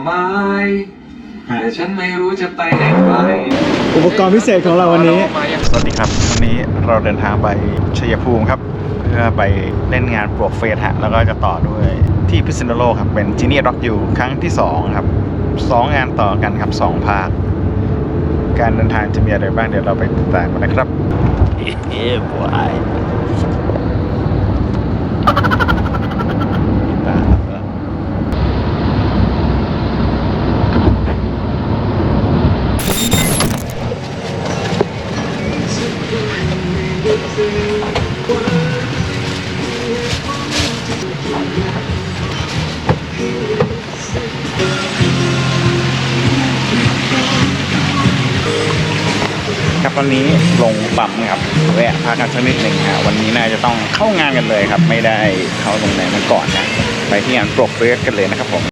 ไม้แต่ฉันไม่รู้จะไปไหนไปอุปกรณ์พิเศษของเราวันนี้สวัสดีครับวันนี้เราเดินทางไปชัยภูมิครับเพื่อไปเล่นงานปลวกเฟสฮะแล้วก็จะต่อด้วยที่พิษณุโลกครับเป็นจีเนียร็อกยูครั้งที่2ครับ2งานต่อกันครับ2ภาคการเดินทางจะมีอะไรบ้างเดี๋ยวเราไปติดตามกันนะครับบอยครับตอนนี้ลงปั๊มครับแวะพักกันสักนิดหนึ่งฮะวันนี้น่าจะต้องเข้างานกันเลยครับไม่ได้เข้าโรงแรมมาก่อนนะไปที่งานปลวกเฟสกันเลยนะครับผม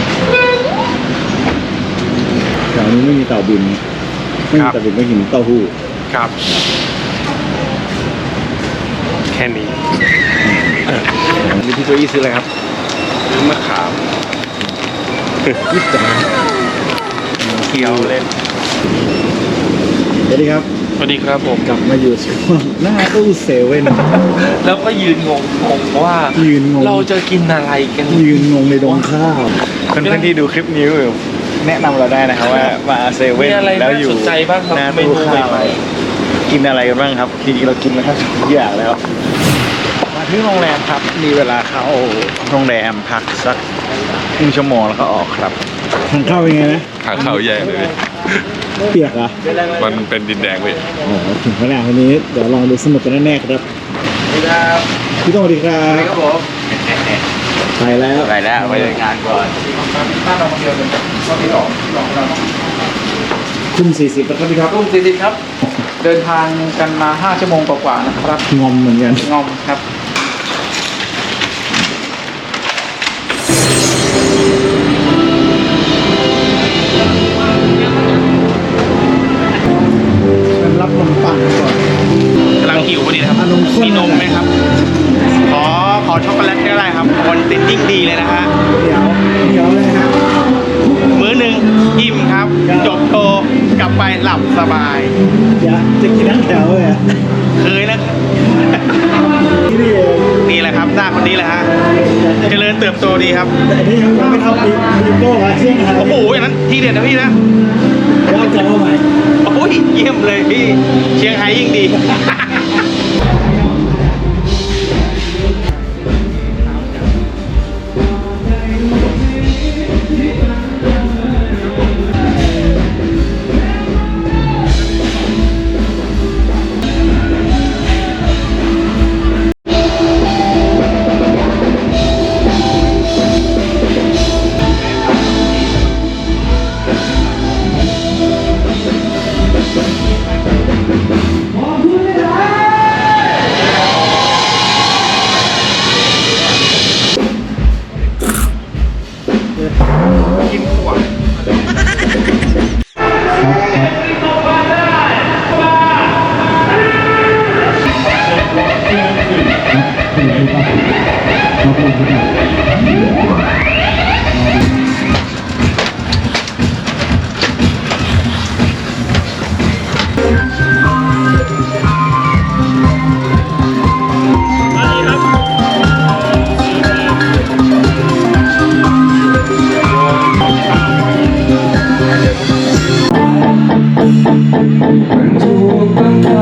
แถวนี้ไม่มีเต่าบินไม่มีเต่าบินไม่เห็นเต้าหู้ครับแค่นี้พี่โจอี้ซื้ออะไรครับมะขามยิบจ๋าเคี้ยวเล่นสวัสดีครับสวัสดีครับผมกลับมาอยู่ช่วงหน้าตู้เซเว่นแล้วก็ยืนงงว่าเราจะกินอะไรกันยืนงงในดงข้าวเพื่อนๆที่ดูคลิปนี้อยู่แนะนำเราได้นะครับว่ามาเซเว่นแล้วอยู่หน้าตู้ข้าวกินอะไรกันบ้างครับจริงๆเรากินมาทั้งทุกอย่างแล้วมาที่โรงแรมครับมีเวลาเข้าโรงแรมพักสักครึ่งชั่วโมงแล้วก็ออกครับทางเข้าเป็นไงนะทางเข้าแย่เลยเปียกอ่ะมันเป็นดินแดงเว้ยโอ้ถึงขนาดวันนี้เดี๋ยวลองดูสนุกกันแน่ๆครับพี่ต้องสวัสดีครับครับผมไปแล้วไปงานก่อนทุ่ม40แล้วครับพี่ครับทุ่ม40ครับเดินทางกันมา5ชั่วโมงกว่าๆนะครับงอมเหมือนกันงอมครับรับนมปังก่อนกำลังหิวพอดีนะครับมีนมไหมครับขอช็อกโกแลตก็ได้ครับคนติดยิ่งดีเลยนะฮะเดี๋ยวเลยฮะมื้อหนึ่งอิ่มครับจบโตกลับไปหลับสบายอย่าจะกินทั้งแถวเลยอ่ะเคยนะนี่แหละครับหน้าคนนี้แหละฮะเจริญเติบโตดีครับแต่นี่ยังไม่เท่าปีโป้มาเชี่ยงครับโอ้โหอย่างนั้นที่เด็ดนะพี่นะแล้วจะเอาใหม่โอ้ยเยี่ยมเลยพี่เชียงไฮ้ยิ่งดี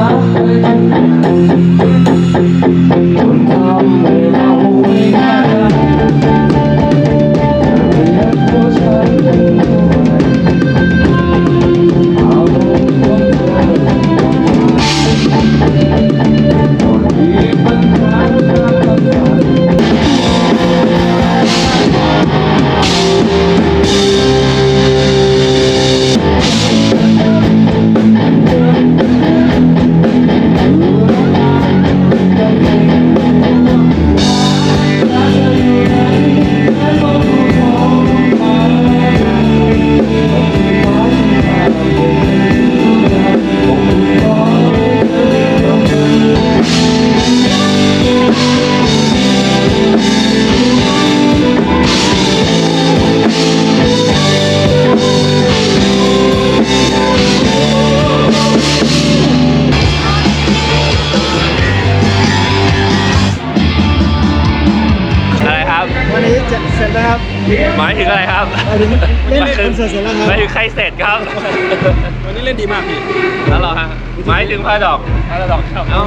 ทำให้เราไม่ได้จะเสร็จแล้วครับหมายถึงอะไรครับหมายถึงเล่นคอนเสิร์ตเสร็จแล้วครับหมายถึงใครเสร็จครับวันนี้เล่นดีมากพี่แล้วเหรอฮะหมายถึงพาดอกครับเอา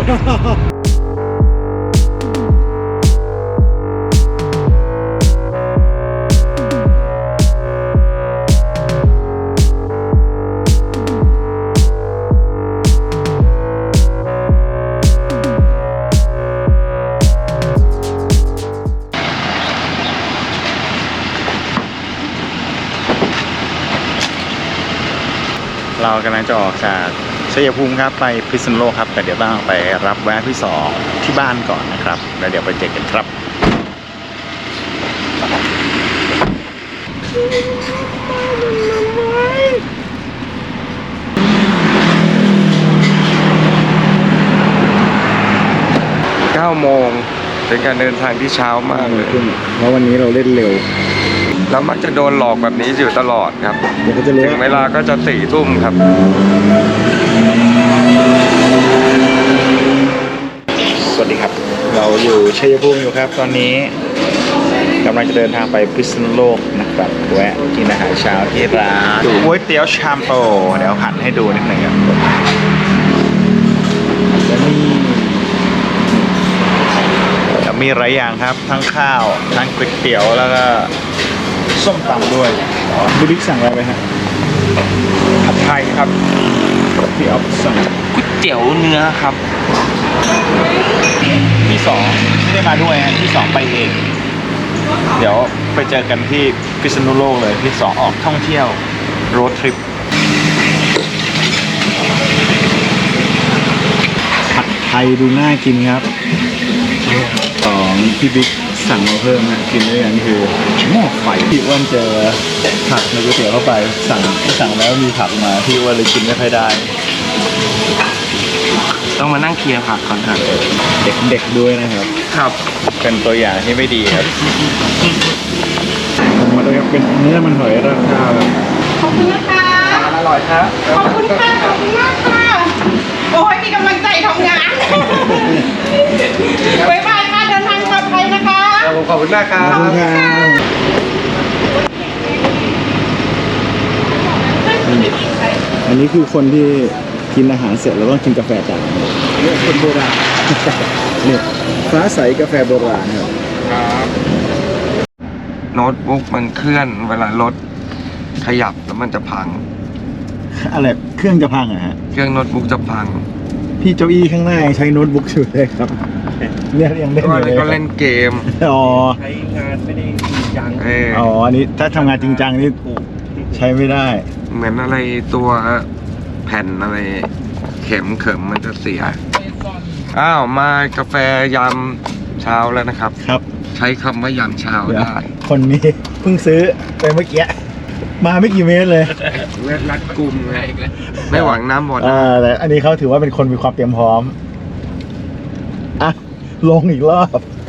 เรากำลังจะออกจากชัยภูมิครับไปพิษณุโลกครับแต่เดี๋ยวต้องไปรับแวะที่2ที่บ้านก่อนนะครับแล้วเดี๋ยวไปเจอกันครับ 9 โมงเป็นการเดินทางที่เช้ามากเลยเพราะวันนี้เราเล่นเร็วแล้วมักจะโดนหลอกแบบนี้อยู่ตลอดครับเดี๋ยวก็จะรู้ถึงเวลาก็จะ4 ทุ่มครับสวัสดีครับ เราอยู่ชัยภูมิอยู่ครับ ตอนนี้กำลังจะเดินทางไปพิษณุโลกนะครับแวะกินอาหารเช้าที่ร้านก๋วยเตี๋ยวชามโตเดี๋ยวหันให้ดูนิดหนึ่งครับแล้วนี่มีหลายอย่างครับทั้งข้าวทั้งก๋วยเตี๋ยวแล้วก็ส้มตำด้วยพี่บิ๊กสั่งอะไรไปฮะผัดไทยครับที่ออฟสั่งก๋วยเตี๋ยวเนื้อครับที่2ไม่ได้มาด้วยฮะที่2ไปเอง เดี๋ยวไปเจอกันที่พิษณุโลกเลยที่2ออกท่องเที่ยวโรดทริปผัดไทยดูน่ากินครับของพี่บิ๊กสั่งมาเพิ่มนะกินด้วยกันคือหม้อไฟพี่อ้วนเจอผักในก๋วยเตี๋ยวเข้าไปสั่งแล้วมีผักมาพี่อ้วนเลยกินไม่ค่อยได้ต้องมานั่งเคลียร์ผักก่อนครับเด็กๆด้วยนะครับครับเป็นตัวอย่างที่ไม่ดีครับผมมาเลยครับเป็นเนื้อมันหอยราคาแบบขอบคุณนะคะอร่อยครับขอบคุณค่ะ ขอบคุณมากค่ะ โอ้ยมีกำลังใจทำงาน บ๊ายบายค่ะ เดินทางปลอดภัยนะคะขอบคุณมากครัขอบคุณบครับอันนี้คือคนที่กินอาหารเสร็จแล้วต้องกินกาแฟตามเนี่ยคนโบราณ เนี่ยฟ้าใสกาแฟโบราณครับโน้ตบุ๊กมันเคลื่อนเวลารถขยับแล้วมันจะพังอะไรเครื่องจะพังเหรอะฮะเครื่องโน้ตบุ๊กจะพังพี่เจ้าอี้ข้างหน้ายังใช้โน้ตบุ๊กอยู่เลยครับ เนี่ยยังเล่นอยู่เลยก็เล่นเกมอ๋อใช้งานไม่ได้จริงจังอ๋ออันนี้ถ้าทำงานจริงจังนี่ใช้ไม่ได้เหมือนอะไรตัวแผ่นอะไรเข็มเขิมมันจะเสีย อ้าวมากาแฟยามเช้าแล้วนะครับครับใช้คำว่ายามเช้าเดี๋ยวได้คนนี้เพิ่งซื้อไปเมื่อกี้มาไม่กี่เมตรเลยเลือดรัดกุมไงไม่หวังน้ำหมดแต่อันนี้เขาถือว่าเป็นคนมีความเตรียมพร้อมอ่ะลงอีกรอบ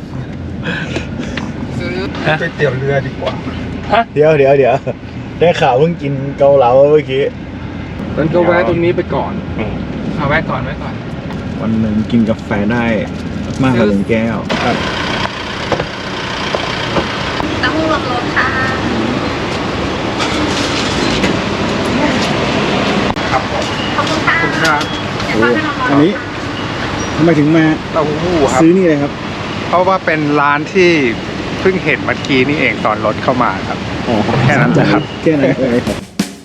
ก๋วยเตี๋ยวเรือดีกว่าเดี๋ยวได้ข่าวเพิ่งกินเกาเหลาเมื่อกี้มันก็แวะตรงนี้ไปก่อนเอาไว้ก่อนวันหนึ่งกินกาแฟได้มากกว่า1 แก้วครับต้องลงรถค่ะ ขอบคุณค่ะครับเดี๋ยวพาไปนอนอันนี้ทำไมถึงมาเต้าหู้ครับซื้อนี่เลยครับเพราะว่าเป็นร้านที่เพิ่งเห็นเมื่อกี้นี่เองตอนรถเข้ามาครับอ๋อแค่นั้นแหละครับแค่นั้นเลยครับ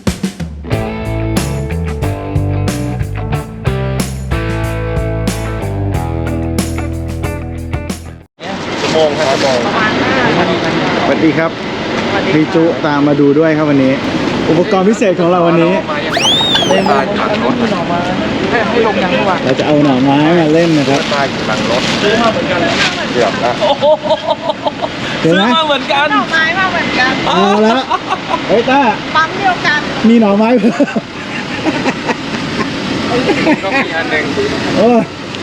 ชั่วโมงครับชั่วโมงสวัสดีครับพี่จุตามมาดูด้วยครับวันนี้ อุปกรณ์พิเศษของเราวันนี้ไม่มาขับรถให้ลงยังเมื่อวานเราจะเอาหน่อไม้มาเล่นนะครับตายอยู่หลังรถเกือบแล้วเห็นไหมมาเหมือนกันหน่อไม้มาเหมือนกันเอาแล้วเฮ้ยต้าปั๊มเดียวกันมีหน่อไม้เพิ่มต้องมีอันหนึ่งโอ้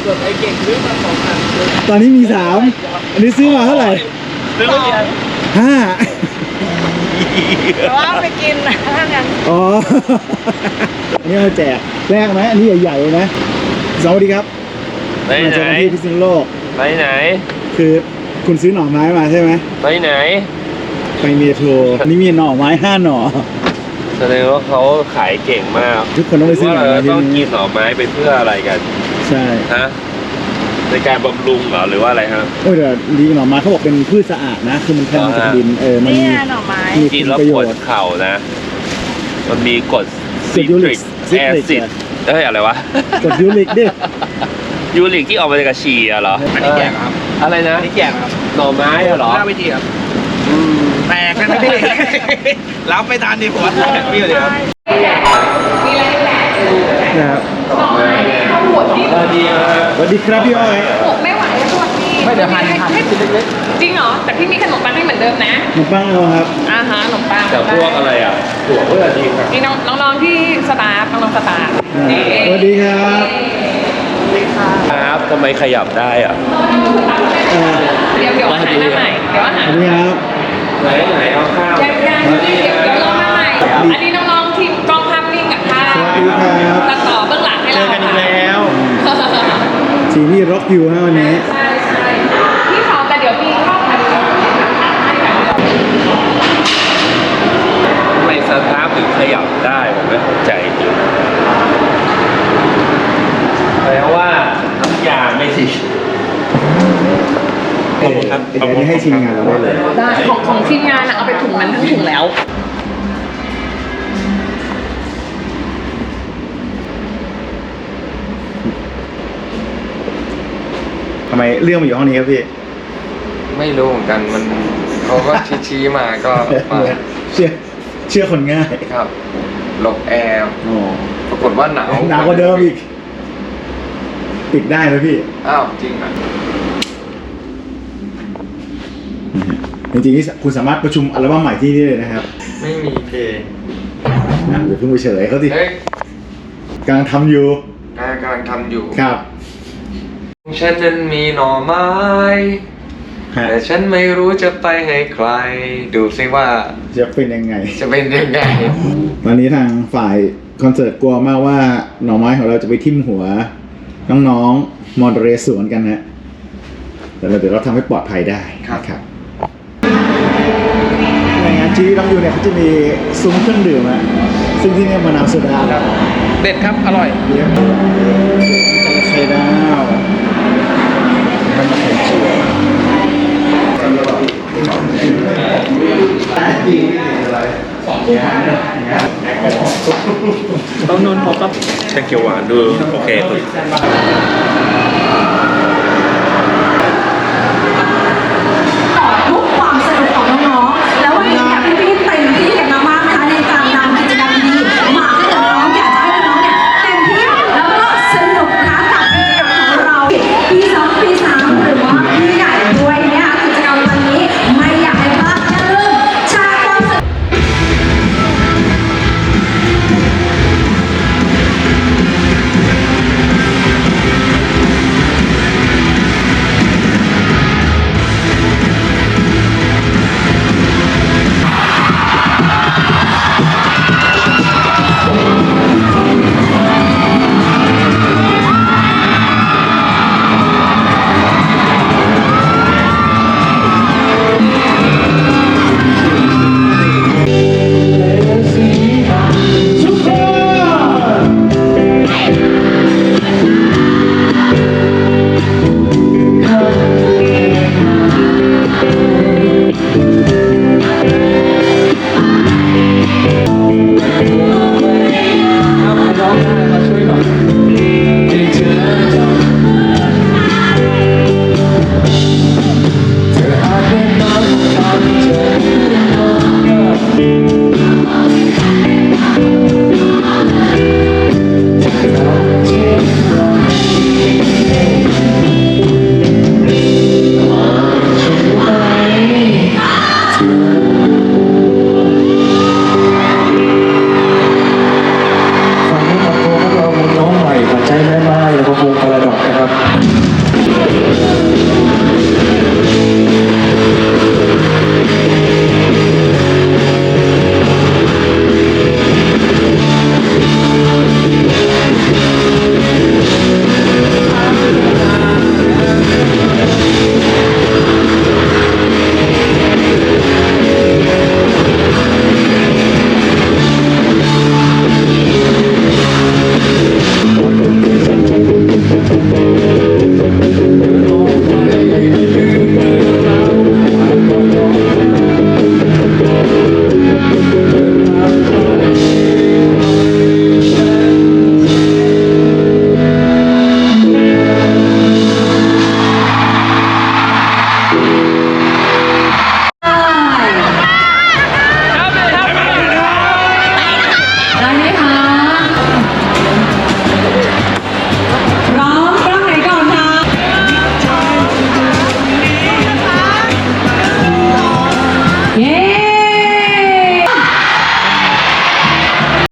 ตอนนี้มี 3 อันนี้ซื้อมาเท่าไหร่ซื้อมากี่อัน 5 แต่ว่าไปกินนะงั้นอ๋อ อันนี้มาแจกแรกไหมอันนี้ใหญ่ๆเลยนะสวัสดีครับไปมาไหเจนอกันที่พิษณุโลกไปไหนคือคุณซื้อหน่อไม้มาใช่ไหมไปไหนไปเมโทรนี่มีหน่อไม้5 หน่อแสดงว่าเขาขายเก่งมากทุกคนต้องไปซื้อหน่อว่าไม้เราที่ต้องกินี่นหน่อไม้ไปเพื่ออะไรกันใช่ฮะในการบำรุงเหรอหรือว่าอะไรฮะโอ้ยแต่ดีหน่อไม้เขาบอกเป็นพืชสะอาดนะ คือมันแทนมาจากดินมันเนี่มียหน่อไม้มีกินคุณแล้วประปโยวดชน์เข่านะ มันมีกรดกรดยูริกแอซิดเอ้ยอะไรวะกดยูริกดิยูริกที่ออกมาจากฉี่อะเหรอ อันนี้แจกครับ อะไรนะนี่แจกครับหน่อไม้อะเหรอหน้าเวทีครับแตกกันนะพี่ รับไม่ทันดิผมว่าแตกพี่เลยครับนะครับข้าวหัวที่สวัสดีครับพี่อ้อยผมไม่ไหวแล้วสวัสดีไม่เดี๋ยวหั่นจริงเหรอ แต่พี่มีขนมปังให้เหมือนเดิมนะขนมปังเอาครับอาหารขนมปังแต่พวกอะไรอ่ะถั่วเพื่อดีครับนี่น้องๆที่สตาฟน้องๆสตาฟสวัสดีครับครับทำไมขยับได้อ่ะเดี๋ยวอาหารมาใหม่เดี๋ยวอาหารสวัสดีครับไหนเอาข้าวยังเดี๋ยวรอมาใหม่อันนี้น้องๆทีมกล้องภาพนิ่งกับภาพสวัสดีครับตัดต่อเบื้องหลังให้เราสีนี่ร็อกอยู่ฮะวันนี้ใช่พี่ขอแต่เดี๋ยวพี่เข้าไปดูทำไมสตาร์ทถึงขยับได้ผมไม่เข้าใจจริงแปลว่าน้ำยาไม่ดีเดี๋ยวนี้ให้ทีมงานเราได้เลยได้ของทีมงานอะเอาไปถุงนั้นทั้งถุงแล้วทำไมเรื่องมาอยู่ห้องนี้ครับพี่ไม่รู้เหมือนกันมันเขาก็ชี้ๆมาก็มาเชื่อคนง่ายครับหลบแอร์อ๋อปรากฏว่าหนาวหนาวกว่าเดิมอีก ปิดได้นะพี่อ้าวจริงอ่ะจริงๆนี่คุณสามารถประชุมอัลบั้มใหม่ที่นี่เลยนะครับไม่มีเพลงเดี๋ยวเพิ่งไปเฉลยเขาสิเฮ้ยกำลังทำอยู่กำลังทำอยู่ครับฉันนั้นมีหน่อไม้ฮะแต่ฉันไม่รู้จะไปให้ใคร ดูซิว่าจะเป็นยังไงจะเป็นยังไงตอนนี้ทางฝ่ายคอนเสิร์ตกลัวมากว่าหน่อไม้ของเราจะไปทิ่มหัว น้องๆมอนเรสวนกันนะ แต่เดี๋ยวเราทำให้ปลอดภัยได้ครับนะครับในงานจีรังอยู่เนี่ยเขาจะมีซุ้มเครื่องดื่มอะซึ่งที่นี่มะนาวโซดาครับเด็ดครับ อร่อยเลี้ยงไข่ดาวมันไข่เจียวต้องนนพอครับแกงเขียวหวานดูโอเคสุด